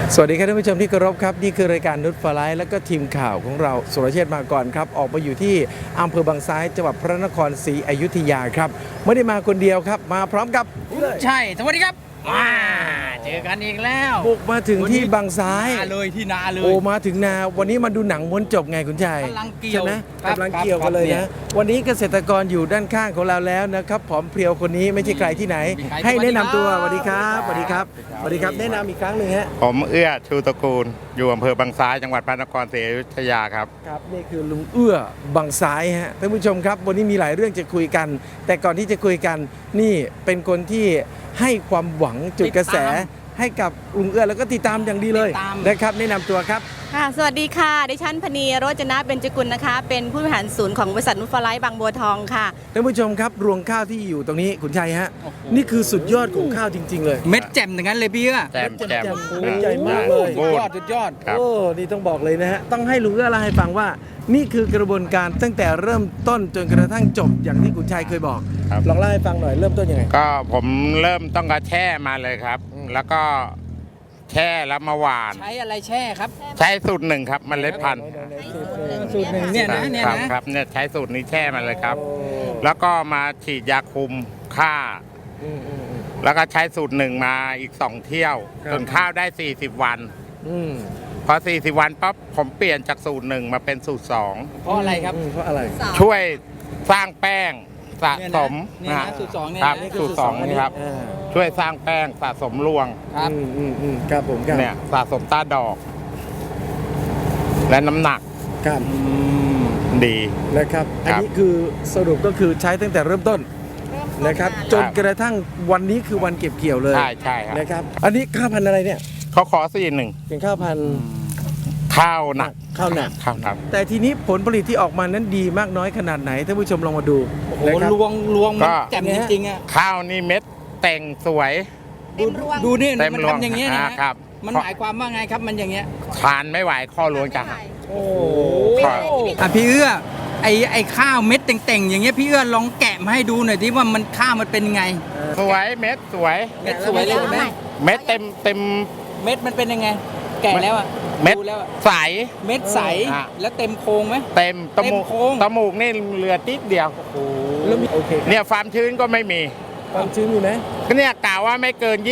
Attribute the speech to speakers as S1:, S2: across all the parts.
S1: สวัสดีครับท่านผู้ชมที่เคารพครับนี่คือรายการนุชฟลายและก็ทีมข่าวของเราสุรเชษฐ์มาก่อนครับออกมาอยู่ที่อำเภอบางซ้ายจังหวัดพระนครศรีอยุธยาครับไม่ได้มาคนเดียวครับมาพร้อมกับ
S2: ใช่สวัสดีครับเจอกันอีกแล้ว
S1: บุกมาถึงที่บางซ้าย
S2: นาเลยที่นาเลย
S1: โอ้มาถึงนาวันนี้มาดูหนังม้วนจบไงคุณชาย
S2: กำลังเกี่ยว
S1: ใช่ไหม
S2: ครับ
S1: กำลังเกี่ยวกันเลย
S2: ครั
S1: นะ
S2: บ
S1: วันนี้เกษตรกรอยู่ด้านข้างของเราแล้วนะครับผอมเพรียวคนนี้ไม่ใช่ใครที่ไหน
S2: มีใคร
S1: ให้แนะนำตัวส
S2: สวั
S1: วัส
S2: สดี
S1: ดีค
S2: ครั
S1: รับบ สวัสดีครับสวัสดีครับแนะนำอีกครั้งหนึ่งฮะ
S3: ผมเอื้อชูตระกูลอยู่อำเภอบางซ้ายจังหวัดพระนครศรีอยุธยาครับ
S1: ครับนี่คือลุงเอื้อบางซ้ายฮะท่านผู้ชมครับวันนี้มีหลายเรื่องจะคุยกัน แต่ก่อนที่จะคุยกันนี่เป็นคนที่ให้ความหวังจุดกระแสให้กับลุงเอื้อแล้วก็ติดตามอย่างดีเลยนะครับแนะนำตัวครับ
S4: ค่ะสวัสดีค่ะดิฉันพนีโรจนะเบญจกุลนะคะ เป็นผู้บริหารศูนย์ของบริษัทนุชฟลายบางบัวทองค่ะ
S1: ท่านผู้ชมครับรวงข้าวที่อยู่ตรงนี้คุณชัยฮะนี่คือสุดยอดของข้าวจริง ๆ เลย
S2: เม็ดแจ่มอย่างนั้นเลยพี่เอื้อ
S3: แจม
S1: แจ่มโอ้ใหญ่มากเลย
S2: สุดยอดสุดยอด
S3: ครับ
S1: โอ้นี่ต้องบอกเลยนะฮะต้องให้ลุงเอื้อเล่าให้ฟังว่า นี่คือกระบวนการตั้งแต่เริ่มต้นจนกระทั่งจบอย่างที่คุณชัยเคยบอก
S3: ครับ
S1: ลองเล่าให้ฟังหน่อยเริ่มต้นยังไง
S3: ก็ผมเริ่มต้องกระแช่มาเลยครับ แล้วก็แช่แล้วมาหวาน
S2: ใช้อะไรแช่ครับ
S3: ใช้สูตรหนึ่งครับเมล็ดพันธุ์
S2: สูตรหนึ่งเนี่ยนะเนี่ย
S3: ครับ
S2: นะครับ
S3: เนี่ยใช้สูตรนี้แช่มาเลยครับ แล้วก็มาฉีดยาคุมฆ่า แล้วก็ใช้สูตรหนึ่งมาอีก2เที่ยว
S1: ครับ
S3: จนข้าวได้40 วัน
S1: อืม
S3: พอ40 วันปั๊บผมเปลี่ยนจากสูตรหนึ่งมาเป็นสูตร2
S2: เพราะอะไรครับ
S1: เพราะอะไร
S3: ช่วยสร้างแป้งสะสม
S2: เนี่ยนะสูตรสองเนี่ย
S3: ครับ
S2: นะ
S3: สูตรสองนี่ครับ
S1: อ่า
S3: ช่วยสร้างแป้งสะสมรวง
S2: ครับ
S1: ครับผมครับ
S3: เนี่ยสะสมต้าดอก และน้ำหนัก
S1: ครับ
S3: ดี
S1: นะครับ อัน
S3: ครับ
S1: นี้คือสรุปก็คือใช้ตั้งแต่เริ่มต้นนะครับ จนกระทั่งวันนี้คือวันเก็บเกี่ยวเลย
S3: ใช่ใช่ครับ
S1: นะครับ อันนี้ข้าวพันธุ์อะไรเนี่ย
S3: เขาขอ41
S1: เป็นข้าวพันธุ์
S3: ข้าวหนัก
S1: ข้าวหนัก
S3: ข้าวหนัก
S1: แต่ทีนี้ผลผลิตที่ออกมานั้นดีมากน้อยขนาดไหนท่านผู้ชมลองมาดู
S2: โอ้โห
S1: นะครับ
S2: ลวง
S3: ก็
S2: มันแจ่มจริงๆอ่ะ
S3: ข้าวนี่เม็ดแต่งสวย
S2: ดูนี่
S3: เต็ม
S2: มัน
S3: รวง
S2: ทำอย่างเงี้ยนะ
S3: ครับ
S2: มันหมายความว่าไงครับมันอย่างเงี้ย
S3: ทานไม่ไหวข้อรวงจะหัก
S1: โอ้
S3: ครับ
S2: อ่ะพี่เอื้อไอ้ข้าวเม็ดเต่งๆอย่างเงี้ยพี่เอื้อลองแกะมาให้ดูหน่อยที่ว่ามันข้าวมันเป็นไง
S3: สวยเม็ดสวย
S2: เม็ดสวยเลยใช่ไหม
S3: เม็ดเต็ม
S2: เม็ดมันเป็นยังไง แกะแล้วอ่ะ
S3: เม็ด
S2: ดูแล้วอะ
S3: ใส
S2: เม็ดใส
S3: อ่ะ
S2: แล้วเต็มโครงไหม
S3: เต็มตะมูก
S2: เต็มโค้ง
S3: ตะมูกนี่เหลือติดเดียว
S1: แล้วมีโอเคครับ
S3: เนี่ยความชื้นก็ไม่มี
S1: ความชื้นมีไหม
S3: เนี่ยกล่าวว่าไม่เกิน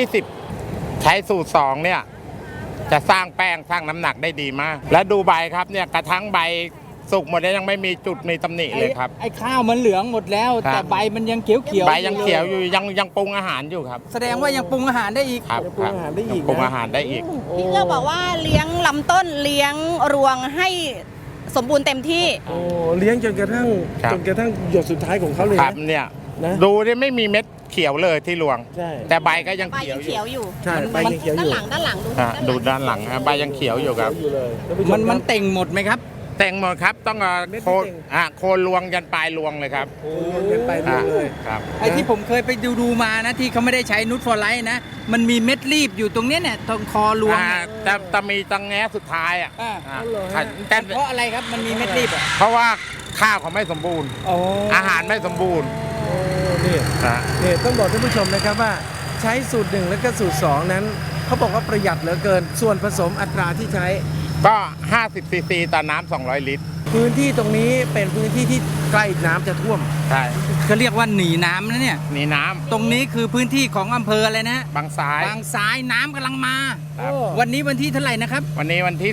S3: 20 ใช้สูตร 2 เนี่ย จะสร้างแป้งสร้างน้ำหนักได้ดีมาก และดูใบครับเนี่ยกระทั่งใบสุกหมดแล้วยังไม่มีจุดมีตำหนิเลยครับ
S2: ไอ้ข้าวมันเหลืองหมดแล้ว
S3: ครับ
S2: แต่ใบมันยังเขียวเขียว
S3: ใบยังเขียวอยู่ยังปรุงอาหารอยู่ครับ
S2: แสดงว่ายังปรุงอาหารได้อีก
S3: ครับ
S1: ยังปรุงอาหารได้อีก
S3: ยังปรุงอาหารได้อีก
S4: พี่เอื้อบอกว่าเลี้ยงลำต้นเลี้ยงรวงให้สมบูรณ์เต็มที่
S1: โอ้เลี้ยงจนกระทั่ง
S3: ครับ
S1: จนกระทั่งหยดสุดท้ายของเขาเลย
S3: ครับ
S1: นะ
S3: เนี่ย
S1: นะ
S3: ดูเนี่ยไม่มีเม็ดเขียวเลยที่รวง
S1: ใช่
S3: แต่ใบก็ยัง
S4: ใบ
S3: เขีย
S4: ยั
S3: ว
S4: ง
S3: อ
S4: เขี
S3: ยู่
S4: ยวอยู่
S1: ใช่ใบยังเขียวอ
S4: ด้าน
S1: ยู่
S4: หลังด้านหลังดู
S3: ดูด้านหลังใบยังเขียวอยู่ครับ
S1: เขียวอยู่เลยท่านผู้ช
S2: มัน
S1: ครับ
S2: เต่งหมดไหมครับ
S3: แต่งหมดครับต้องเอา
S1: เม็ด
S3: โคน
S1: เต่ง
S3: โคนรวงยันปลายรวงเลยครับ
S1: โอ้เงินไปเรื่อยเลย
S3: ครับ
S2: ไอ้ที่ผมเคยไปดูมานะที่เขาไม่ได้ใช้นูตฟอร์ไลท์นะ มันมีเม็ดรีบอยู่ตรงเนี้ยเนี่ยตรงคอรวงเนี่ย
S3: จะมีตังแง้สุดท้ายอ่ะ
S2: อ่า
S3: อ่า
S1: เหรอฮะ
S3: แต่
S2: เพราะอะไรครับมันมีเม็ดรีบอ่ะ
S3: เพราะว่าข้าวเขาไม่สมบูรณ์
S1: โอ้
S3: อาหารไม่สมบูรณ์
S1: โอ้นี่
S3: นะ
S1: นี่ต้องบอกท่านผู้ชมนะครับว่าใช้สูตร 1 แล้วก็สูตร 2 นั้นเขาบอกว่าประหยัดเหลือเกิน ส่วนผสมอัตราที่ใช้
S3: ก็ 50 ซีซีต่อน้ำ200 ลิตร
S1: พื้นที่ตรงนี้เป็นพื้นที่ที่ใกล้น้ำจะท่วม
S3: ใช่
S2: เขาเรียกว่าหนีน้ำนะเนี่ย
S3: นี่น้
S2: ตรงนี้คือพื้นที่ของอำเภออะไรนะ
S3: ำบางซ้าย
S2: บางซ้ายน้ำกำลังมา
S3: ครับ
S2: วันนี้วันที่เท่าไหร่นะครับ
S3: วันนี้วันที่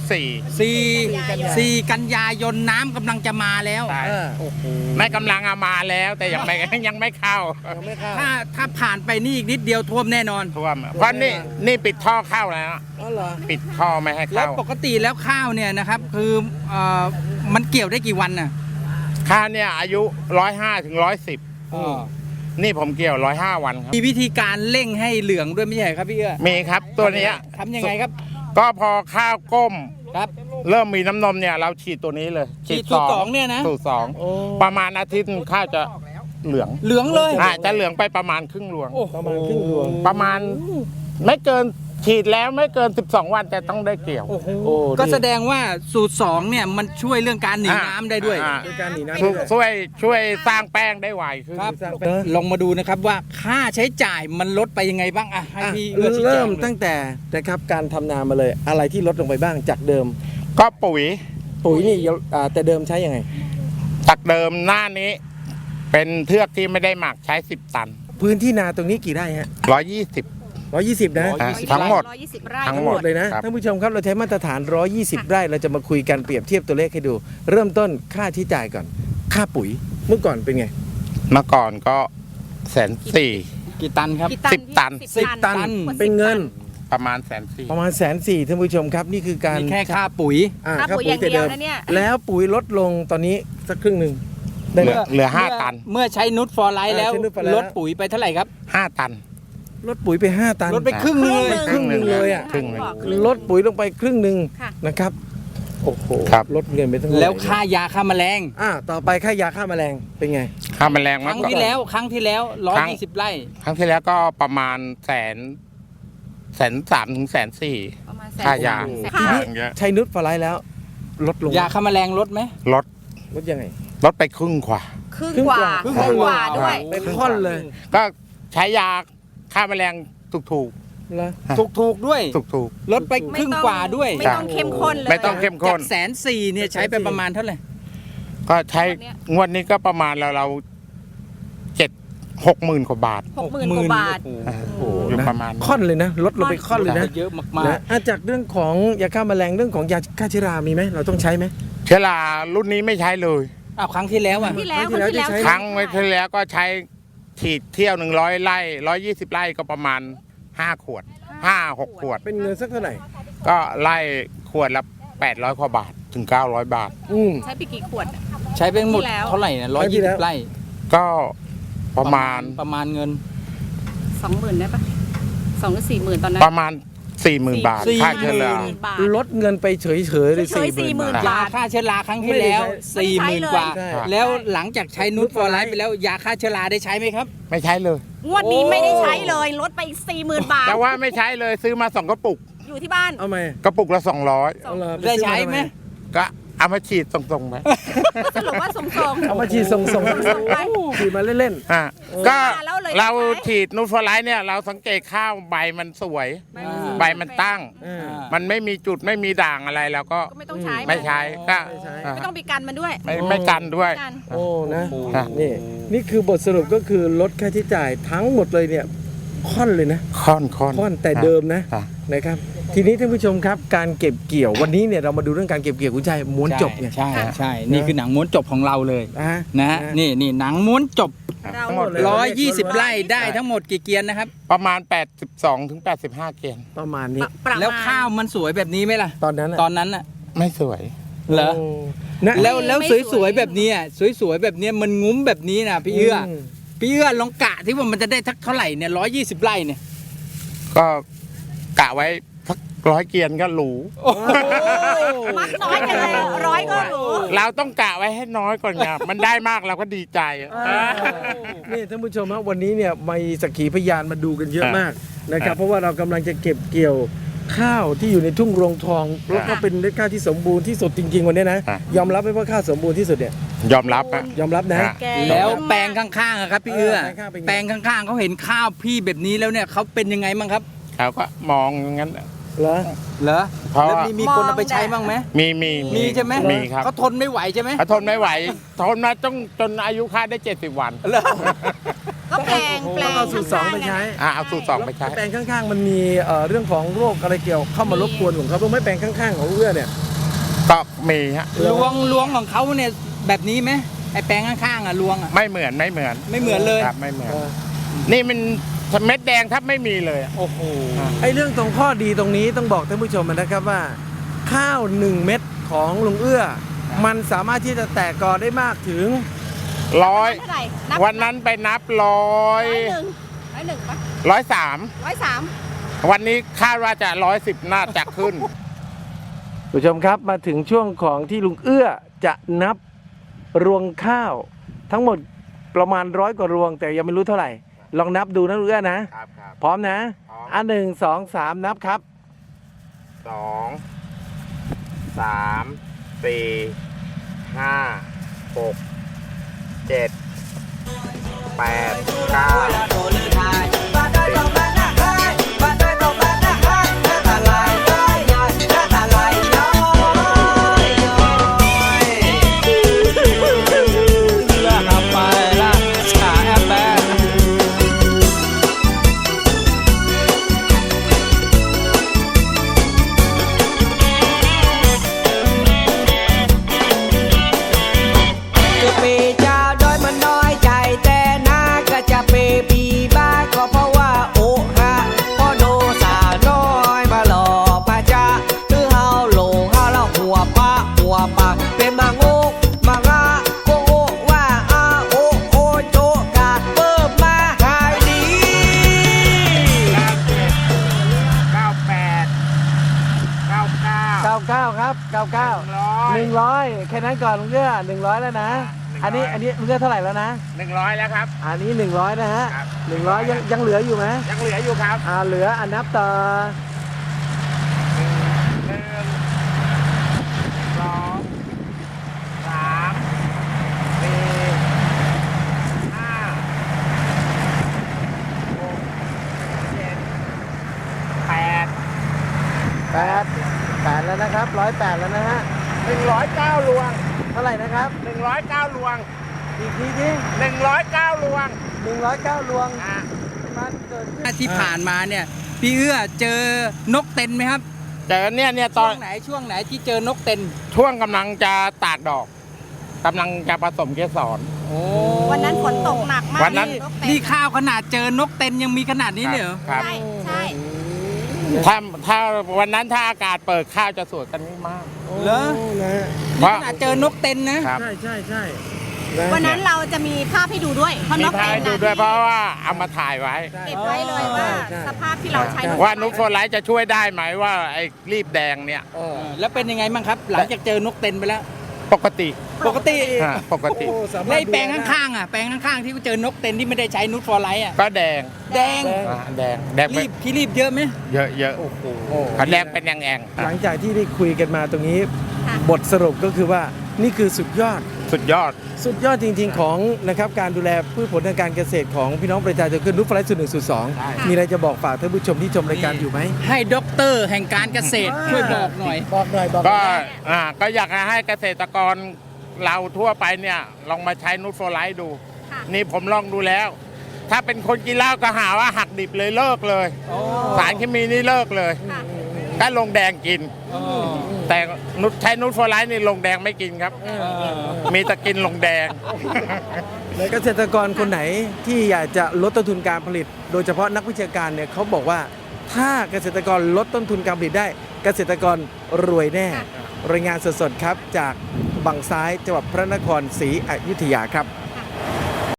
S2: 4 กันยายนน้ำกำลังจะมาแล้ว
S3: 4ใช่
S1: เออ
S3: ไม่กำลังเอามาแล้วแต่ยังไม่ ยังไม่เข้า
S1: ยังไม่เข้า
S2: ถ้าผ่านไปนี่อีกนิดเดียวท่วมแน่นอน
S3: ท่วมเพราะนี่ปิดท่อเข้าแล้ว
S1: อ๋อเหรอ
S3: ปิดท่อไม่ให้
S2: แล้ว
S3: เข้า
S2: ปกติแล้วข้าวเนี่ยนะครับคือมันเกี่ยวได้กี่วันน่ะ
S3: ข้าวเนี่ยอายุ 105 ถึง 110 นี่ผมเกี่ยว 105 วันครับ
S2: มีวิธีการเร่งให้เหลืองด้วยไม่ใช่ครับพี่เอื้อ
S3: มีครับตัวเนี้ย
S2: ทำยังไงครับ
S3: ก็พอข้าวก้ม
S2: ครับ
S3: เริ่มมีน้ำนมเนี่ยเราฉีดตัวนี้เลย
S2: ฉีดสูตรสองเนี่ยนะ
S3: สูตร
S1: โอ้
S3: 2ประมาณอาทิตย์ข้าวจะเหลือง
S2: เหลืองเลย
S3: จะเหลืองไปประมาณครึ่งรวง
S2: โอ้โห
S1: ประมาณครึ่งดวง
S3: ประมาณไม่เกินฉีดแล้วไม่เกิน 12 วันแต่ต้องได้เกี่ยว
S2: โอ้โห
S1: โอ้
S2: ก็
S1: นี่
S2: แสดงว่าสูตร2เนี่ยมันช่วยเรื่องการหนีน้ำได้ด้วย
S1: ด้วยการหนีน้ำ
S3: ช่วยสร้างแป้งได้ไวขึ้น
S2: ครับ
S1: สร้างเป็น
S2: ลองมาดูนะครับว่าค่าใช้จ่ายมันลดไปยังไงบ้างอ่ะให้
S1: อ่ะ
S2: พี่เอื้อชี้แจ
S1: เริ่
S2: ง
S1: ม
S2: เลย
S1: ตั้งแต่นะครับการทำนามาเลย อะไรที่ลดลงไปบ้างจากเดิม
S3: ก็ปุ๋ย
S1: ปุ๋ยนี่แต่เดิมใช้ยังไง
S3: จากเดิมหน้านี้ เป็นเทือกที่ไม่ได้หมักใช้ 10 ตัน
S1: พื้นที่นาตรงนี้กี่ไร่ฮะ
S3: 120
S1: 120 นะ
S3: ทั้งหมด
S4: 120 ไร่
S3: ทั้ง
S1: ทั้ง
S3: ห
S1: ห
S3: ม
S1: ม
S3: ด
S1: ดเลยนะครับ ท่านผู้ชมครับเราใช้มาตรฐาน 120 ไร่เราจะมาคุยกันเปรียบเทียบตัวเลขให้ดู เริ่มต้นค่าใช้จ่ายก่อน ค่าปุ๋ยเมื่อก่อนเป็นไง
S3: เมื่อก่อนก็140,000
S2: กี่ตันครับ
S4: กี่ตัน
S3: 10 ตัน
S4: พี่
S1: 10 ตัน
S2: ตัน
S1: เป็นเงิน
S3: ประมาณ140,000
S1: ประมาณ140,000ท่านผู้ชมครับนี่คือการ
S2: นี่แค่ค่าปุ๋ย
S4: ค่าปุ๋ยอย่างเดียวนะเนี่ย
S1: แล้วปุ๋ยลดลงตอนนี้สักครึ่งหนึ่งได้ไหม
S3: เหลือ5 ตัน
S2: เมื่อใช้นุชฟอร์ไลท์แล้ว
S1: ใช้นุชฟอร์ไลท์
S2: ลดปุ๋ยไปเท่าไหร่ครับ
S3: 5 ตัน
S1: ลดปุ๋ยไป 5 ตัน
S2: ลดไปครึ่งหนึงเลย
S1: ครึ่งหนึ่งเลยอ่ะ
S3: ครึ่งหนึ่ง
S1: ลดปุ๋ยลงไปครึ่งหนึ่ง
S4: ค่ะ
S1: นะครับโอ้โห
S3: ครับ
S1: ลดเงินไปทั้งหมด
S2: แล้วค่ายาฆ่าแมลง
S1: ต่อไปค่ายาฆ่าแมลงเป็นไง
S3: ค่าแมลง
S2: ค
S3: มา
S2: รั้ง
S3: ก่อน
S2: ที่แล้ว120 ไร่
S3: ครั้งที่แล้วก็ประมาณ130,000 ถึง 140,000
S4: ประมาณ
S3: ค่ายา
S4: 140,000
S1: ที
S4: ค่ะ
S1: นี้
S3: เยอะ
S1: ใช้นุชฟลายแล้วลดลง
S2: ยาฆ่าแมลงลดไหม
S3: ลด
S1: ลดยังไง
S3: ลดไปครึ่งกว่า
S4: ครึ่งกว่า
S1: ครึ่ง
S4: ครึ่ง
S1: ก
S4: ก
S1: ว่า
S4: ว่าด้วย
S1: เป็นค่อนเลย
S3: ก็ใช้ยาฆ่าแมลงถูก
S1: แล้ว
S2: ถูกๆด้วย
S3: ๆถูก
S2: ลดไปครึ่งกว่าด้วย
S4: ไม่ต้องเข้มข้นเลย
S3: ไม่ต้องเข้มข้น
S2: จาก140,000เนี่ยใช้ไปประมาณเท่าไหร่
S3: ๆก็ใช้งวดนี้ก็ประมาณเรา60,000 กว่าบาท
S4: 60,000 กว่าบาท
S2: โอ้
S1: โอ้โห
S3: อยู่
S1: นะ
S3: ประมาณ
S1: ค่อนเลยนะ ลดลงไปค่อนเลยนะ
S2: เยอะมาก
S1: นะจากเรื่องของยาฆ่าแมลงเรื่องของยาฆ่าเชื้อรามีไหมเราต้องใช้ไหม
S3: เชื้อรารุ่นนี้ไม่ใช้เลย
S2: ๆอ้าวครั้งที่แล้วอ่ะ
S4: ที่แล้ว
S1: ครั้งที่แล้วที่ใช้
S3: ครั้งไว้ที่แล้วก็ใช้ฉีดเที่ยว100 ไร่120 ไร่ก็ประมาณ5 ขวด 5-6 ขวด
S1: เป็นเงินสักเท่าไหร่
S3: ก็ไล่ขวดละ800 กว่าบาทถึง 900 บาท
S4: ใช้ไปกี่ขวดอะ
S2: ใช้ไปหมด
S4: ที่แล้ว
S2: เท่าไหร่เนี่ย
S1: ครั้งที่แล้ว
S2: 120 ไร่
S3: ก็ประมาณ
S2: เงิน
S4: 20,000ได้ปะ2 หรือ 40,000 ตอนนั้น
S3: ประมาณ 40,000 บาท
S2: 40,000
S3: ค่าเชื้อรา
S4: 40,000 บาท
S1: ลดเงินไปเฉยๆเลย
S4: เฉยๆ
S1: 40,000
S2: ยาฆ่าเชื้อราครั้งที่แล้ว
S4: ไม่ได้ใช้
S2: 40,000 กว่า
S1: ใช่
S2: แล้วหลังจากใช้นูตฟอร์ไลท์ไปแล้วยาฆ่าเชื้อราได้ใช้ไหมครับ
S3: ไม่ใช้เลย
S4: งวดนี้ไม่ได้ใช้เลย ลดไปอีก 40,000 บาท
S3: แต่ว่าไม่ใช้เลยซื้อมา 2 กระปุก
S4: อยู่ที่บ้าน
S1: เอาไหม
S3: กระปุกละ
S1: เอาเหรอป
S2: ได้
S1: ซื้อ
S2: ใช้ไหม
S3: 200 ก็เอามาฉีดตรงๆไหม
S4: สรุปว่าส่ง
S1: เอามาฉีดส่ง
S4: ส่งไป
S1: ฉีดมาเล่น
S3: อ่ะก็
S4: แล้วเลย
S3: เรา
S4: ใช่ไหม
S3: ฉีดนูตฟอร์ไลท์เนี่ยเราสังเกตข้าวใบมันสวย ใบมันตั้ง
S1: ๆ
S3: มันไม่มีจุดไม่มีด่างอะไรแล้วก็
S4: ก็ไม่ต้องใช้
S3: ไม่ใช้ก็
S1: ไม่ใช้
S3: อ่ะ
S4: ไม่ต้องไปกันมันด้วย
S3: ไม่กันด้วย
S4: กัน
S1: โอ้นะ
S3: อ่ะ
S1: นี่คือบทสรุปก็คือลดค่าใช้จ่ายทั้งหมดเลยเนี่ยค่อนเลยนะ
S3: ค่อน
S1: ค่อนแต่เดิมนะ
S3: อ่ะ
S1: นะครับ ทีนี้ท่านผู้ชมครับการเก็บเกี่ยววันนี้เนี่ยเรามาดูเรื่องการเก็บเกี่ยวคุณชายม้วนจบไง
S2: ใช่นี่คือหนังม้วนจบของเราเลย
S1: นะ
S2: นะฮะนี่หนังม้วนจบ
S4: เรา
S3: ทั้งหมดเลย
S2: 120 ไร่ได้ทั้งหมดกี่เกียนนะครับ
S3: ประมาณ 82 ถึง 85 เกน
S1: ประมาณนี้
S4: ประมาณ
S2: แล้วข้าวมันสวยแบบนี้ไหมล่ะ
S1: ตอนนั้นน่ะ
S2: ตอนนั้นน่ะ
S3: ไม่สวย
S2: เหรอ
S1: โนะ
S2: แล้วสวยๆแบบนี้สวยๆแบบนี้มันงุ้มแบบนี้นะพี่เอื้อ
S1: ม
S2: พี่เอื้อลองกะที่ว่ามันจะได้ทักเท่าไหร่เนี่ย120 ไร่เนี่ย
S3: ก็กะไว้สัก100 เกียนก็หรู
S2: โอ้โห
S4: มักน้อยกันเลย100ก็หรู
S3: เราต้องกะไว้ให้น้อยก่อนไงมันได้มากเราก็ดีใจอ่ะ
S1: นี่ท่านผู้ชมฮะวันนี้เนี่ยมีสักขีพยานมาดูกันเยอะมากนะครับเพราะว่าเรากำลังจะเก็บเกี่ยวข้าวที่อยู่ในทุ่งรวงทองแล้วก็เป็นเม็ดข้าวที่สมบูรณ์ที่สุดจริงๆวันนี้นะยอมรับไหมว่าข้าวสมบูรณ์ที่สุดเนี่ย
S3: ยอมรับอ่ะ
S1: ยอมรับนะ
S4: แก
S2: แล้วแปลงข้างๆอะครับพี่เอื้อ
S1: แปลงข้างๆเป็นไง
S2: แปลงข้างๆเขาเห็นข้าวพี่แบบนี้แล้วเนี่ยเขาเป็นยังไงบ้างครับ
S3: เขาก็มองอย่างนั้น
S1: เหรอ
S2: เหรอ
S3: เพราะ
S2: แล้ว
S3: ว่า
S2: มีคนเอาไปใช้บ้างไหม
S3: มี
S2: ใช่ไหม
S3: มีครับ
S2: เขาทนไม่ไหวใช่ไหม
S3: เขาทนไม่ไหวทนมาจนอายุค่าได้ 70 วัน
S2: เหรอ
S4: ก็แปลง
S1: เอาสูตรสองไปใช้
S3: เอาสูตร 2 ไปใช้
S1: แปลงข้างๆมันมีเรื่องของโรคอะไรเกี่ยวเข้ามารบกวนของเขาบ้างไหมแปลงข้างๆของเอื้อเนี่ย
S3: ก็มีฮะ
S2: ล้วงของเขาเนี่ยแบบนี้ไหมไอแปลงข้างๆอ่ะล้วงอ่ะ
S3: ไม่เหมือน
S2: ไม่เหมือนเลย
S3: ครับไม่เหมือน
S1: เออ
S3: นี่มันเม็ดแดงแทบไม่มีเลยอะ
S2: โอ้โห
S1: ไอ้เรื่องตรงข้อดีตรงนี้ต้องบอกท่านผู้ชมนะครับว่า ข้าว 1 เม็ดของลุงเอื้อ มันสามารถที่จะแตกกอได้มากถึง
S3: ร้อย
S4: เท่าไหร่นับ
S3: วันนั้นไปนับ100
S4: 101ปะ
S3: 103
S4: 103
S3: วันนี้คาดว่าจะ110น่าจะขึ้น
S1: ผู้ชมครับมาถึงช่วงของที่ลุงเอื้อจะนับรวงข้าว ทั้งหมดประมาณ100 กว่ารวง แต่ยังไม่รู้เท่าไหร่ลองนับดูนะลุงเอื้อนะ
S3: ครับครับ
S1: พร้อมนะ
S3: พร้อม
S1: อ่ะ1 2 3นับครับ
S3: 2 3 4 5 6 7 8 9
S5: จะเปเจ้าดอยมันน้อยใจแต่นาก็จะเปปีบ้าก็เพราะว่าโอ้ฮะพอโดสาน้อยมาหลอกพระจ้าคือเฮาโหลเฮาแล้วหัวปะเป็นมาโงกมางาโกโอว่าอาโอโอโจกาเปิบมาหายดี
S3: 98 99
S1: 99ครับ99 100แค่นั้นก่อนลุงเอื้อ100แล้วนะ
S3: 100
S1: อันนี้ลุงเอื้อเท่าไหร่แล้วนะ
S3: 100 แล้วครับ
S1: อันนี้100นะฮะ
S3: ครับ
S1: 100ยังเหลืออยู่ไหม
S3: ยังเหลืออยู่ครับ
S1: เหลือนับต่อ 8แล้วนะครับ108แล้วนะฮะ
S3: 109 ลวง
S1: เท่าไหร่นะครับ
S3: 109 ลวง
S1: อีกทีที
S3: 109 ลวง
S1: 109ลวง
S3: อ่ะ
S1: มันเกิดขึ้น
S2: ที่ผ่านมาเนี่ยพี่เอื้อเจอนกเต็นไหมครับ
S3: เจอเนี่ยต
S2: ช่
S3: อ
S2: วน งไหนที่เจอนกเต็น
S3: ช่วงกำลังจะตากดอกกำลังจะผสมเกสร
S2: โอ้
S4: วันนั้นฝนตกหนักมาก
S3: วันนั้น
S4: นกเต็น
S2: นี่ข้าวขนาดเจอนกเต็นยังมีขนาดนี้เลยเหรอ
S3: ครับ
S4: ใช่ใช่
S3: ถ้าวันนั้นถ้าอากาศเปิดข้าวจะสวยกันไม่มาก
S2: เหรอ
S1: นะฮะ
S2: นี่ขนาดเจอนกเต็นนะ
S3: ครับ
S1: ใช่
S4: วันนั้นเราจะมีภาพให้ดูด้วยเพราะ
S3: มี
S4: นก
S3: พา
S4: เต็
S3: ย
S4: น
S3: ดู
S4: น่ะ
S3: ด้วยเพราะว่าเอามาถ่ายไว้
S4: เก็บไว้เลยว่า
S1: ใช่
S4: สภาพที่เราใช้
S3: ว่านุชโฟไลท์จะช่วยได้ไหมว่าไอ้รีบแดงเนี่ย
S2: แล้วเป็นยังไงบ้างครับ หลังจากเจอนกเต็นไปแล้ว
S3: ปกติ
S2: ปกติ
S3: ปกติ
S2: ในแปลงข้างๆอ่ะแปลงข้างๆที่เจอนกเต็นที่ไม่ได้ใช้นูตฟอร์ไลท์อ่ะ
S3: ก็แดง
S2: แดง
S3: แดงไป
S2: รีบเยอะไหม
S3: เยอะเขาแดงเป็นแอง
S1: หลังจากที่ได้คุยกันมาตรงนี้
S4: ค่ะ
S1: บทสรุปก็คือว่านี่คือสุดยอด
S3: สุดยอด
S1: สุดยอดจริง ๆ ของนะครับการดูแลพืชผลทางการเกษตรของพี่น้องประชาชนคือนุชฟลายสูตร1สูตร
S3: ใช่
S1: 2มีอะไรจะบอกฝากท่านผู้ชมที่ชมรายการอยู่ไหม
S2: ให้ด็อกเตอร์แห่งการเกษตรช่วยบอกหน่อย
S1: บอกหน่อย
S3: ก็อยากให้เกษตรกรเราทั่วไปเนี่ยลองมาใช้นูตโฟไลท์ดู
S4: ค่ะ
S3: นี่ผมลองดูแล้ว ถ้าเป็นคนกินเหล้าก็หาว่าหักดิบเลยเลิกเลย สารเคมีนี่เลิกเลย
S4: ค่ะ
S3: ก็ลงแดงกิน แต่ใช้นูตโฟไลท์นี่ลงแดงไม่กินครับ มีแต่กินลงแดง
S1: เกษตรกรคนไหนที่อยากจะลดต้นทุนการผลิต โดยเฉพาะนักวิชาการเนี่ยเขาบอกว่าถ้าเกษตรกรลดต้นทุนการผลิตได้ เกษตรกรรวยแน่ รายงานสดๆครับจากบางซ้ายจังหวัดพระนครศรีอยุธยาครับ